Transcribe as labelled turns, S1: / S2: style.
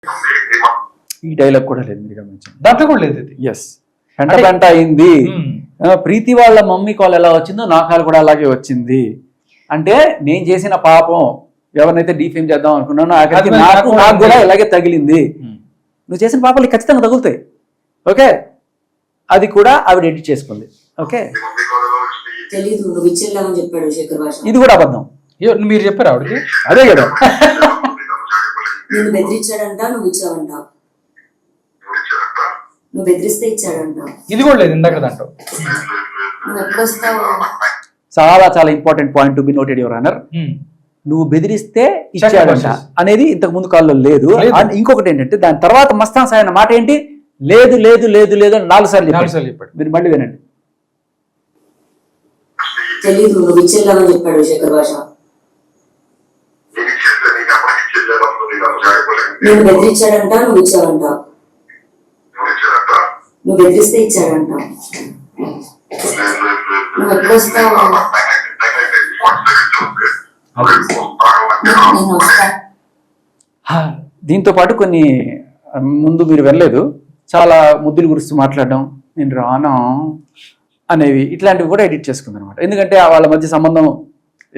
S1: ఈ డైలాగ్ కూడా లేదు, మీరు గమనించండి.
S2: దాంట్లో కూడా లేదు ఇది.
S1: ఎస్, పెంట పెంట అయింది. ప్రీతి వాళ్ళ మమ్మీ కాల్ ఎలా వచ్చిందో నా కాల్ కూడా అలాగే వచ్చింది. అంటే నేను చేసిన పాపం ఎవరినైతే డీఫేమ్ చేద్దాం అనుకున్నానో ఆఖరికి నాకు కూడా ఇలాగే తగిలింది. నువ్వు చేసిన పాపాలు ఖచ్చితంగా తగులుతాయి. ఓకే, అది కూడా ఆవిడ ఎడిట్ చేసుకుంది. ఓకే,
S3: తెలీదు నువ్వు ఇచ్చేలాగని చెప్పాడు శేఖర్ భాష.
S1: ఇది కూడా అబద్ధం.
S2: మీరు చెప్పారు ఆవిడకి?
S1: అదే కదా.
S3: నేను బెదిరించాడంట, నువ్వు ఇచ్చావంట. నువ్వు బెదిరిస్తే ఇచ్చాడంట.
S2: ఇది కూడా లేదు ఇందాక దాంట్లో.
S3: నువ్వు ఎప్పుడు వస్తావు?
S1: చాలా చాలా important point to be noted your honour. నువ్వు బెదిరిస్తే ఇచ్చాడంట అనేది ఇంతకు ముందు కాల్లో లేదు. ఇంకొకటి ఏంటంటే దాని తర్వాత మస్తాన్ సాయి అన్న మాట ఏంటి? లేదు లేదు లేదు లేదు అని 4 సార్లు చెప్పాడు. మీరు మళ్ళీ వినండి.
S3: తెలీదు నువ్వు ఇచ్చేలాగని చెప్పాడు శేఖర్ భాష. నేను బెదిరించాడంట, నువ్వు ఇచ్చావంట. నువ్వు బెదిరిస్తే ఇచ్చాడంట. నువ్వు ఎప్పుడు వస్తావు? నేను వస్తా.
S1: దీంతో పాటు కొన్ని ముందు మీరు వెళ్ళలేదు, చాలా ముద్దుల గురించి మాట్లాడడం, నేను రానా అనేవి, ఇట్లాంటివి కూడా ఎడిట్ చేసుకుంది అనమాట. ఎందుకంటే వాళ్ళ మధ్య సంబంధం